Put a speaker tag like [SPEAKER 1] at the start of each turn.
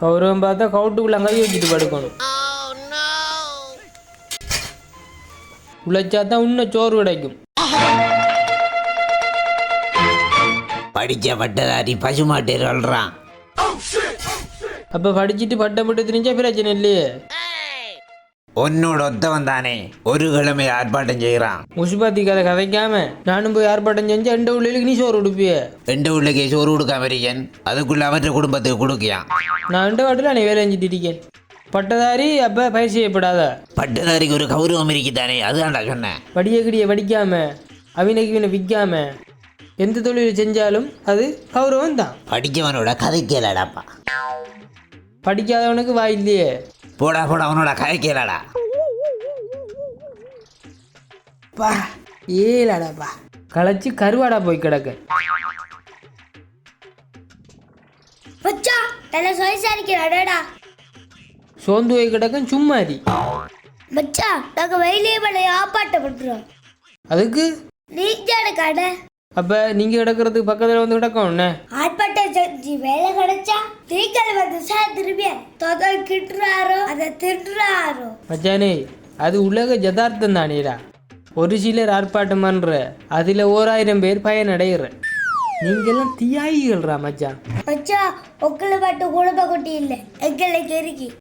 [SPEAKER 1] கௌரவம் பார்த்தா கவுட்டுக்குள்ள கை வச்சுட்டு படுக்கணும். உழைச்சா தான் இன்னும் சோறு கிடைக்கும்.
[SPEAKER 2] படிச்ச பட்டதாரி பசுமாட்டேர் வளர்றான்.
[SPEAKER 1] அப்போ படிச்சுட்டு பட்டம் விட்டு தெரிஞ்சா பிரச்சனை இல்லையே.
[SPEAKER 2] உன்னோட ஒத்தவன் தானே ஒரு கிழமை ஆர்ப்பாட்டம் செய்கிறான்.
[SPEAKER 1] முசுபாத்தி கதை கதைக்காம நானும் போய் ஆர்ப்பாட்டம் செஞ்சு எந்த உள்ளிக்கு நீ சோறு கொடுப்பிய.
[SPEAKER 2] எந்த உள்ளக்கே சோறு கொடுக்காம இருக்கேன், அதுக்குள்ள அவற்ற குடும்பத்துக்கு கொடுக்கியான்.
[SPEAKER 1] நான் எந்த வாட்டில் நீ வேலை செஞ்சுட்டு இருக்கேன். பட்டதாரி அப்போ பயிர் செய்யப்படாத.
[SPEAKER 2] பட்டதாரிக்கு ஒரு கௌரவம் இருக்குதானே, அதுதான்டா சொன்னேன்.
[SPEAKER 1] படிய கிடிய படிக்காம அவினைக்கு விற்காம எந்த தொழில் செஞ்சாலும் அது கௌரவம் தான்.
[SPEAKER 2] படிக்கவனோட கதை கேளாடாப்பா.
[SPEAKER 1] படிக்காதவனுக்கு வாய் இல்லையே.
[SPEAKER 2] போடா போடா, அவனோட கதை கேளாடா.
[SPEAKER 1] பா ஏலாடாப்பா களைச்சி கருவாடா போய் கிடக்க. சோந்து போய் கிடக்க சும்மாரி.
[SPEAKER 3] மச்சா நாங்க வெயிலே மலை ஆப்பாட்டப்படுறோம்.
[SPEAKER 1] அதுக்கு
[SPEAKER 3] நீங்க கடை.
[SPEAKER 1] அப்ப நீங்க கிடக்கிறதுக்கு பக்கத்துல வந்து கிடக்கும்.
[SPEAKER 3] ஆர்ப்பாட்டம் செஞ்சு வேலை கிடைச்சா நீங்கள் வந்து திரும்பிய தொகை கிட்டுறாரோ அதை திட்டுறாரோ.
[SPEAKER 1] மச்சானே அது உலக ஜதார்த்தம் தானேடா. ஒரு சிலர் ஆர்ப்பாட்டம் பண்ற அதுல 1000 பேர் பயனடைகிற. நீங்கெல்லாம் தியாகிகள்ரா மச்சான்.
[SPEAKER 3] மச்சா உங்களை மட்டும் குழப்ப குட்டி இல்லை, எங்களுக்கு இருக்கு.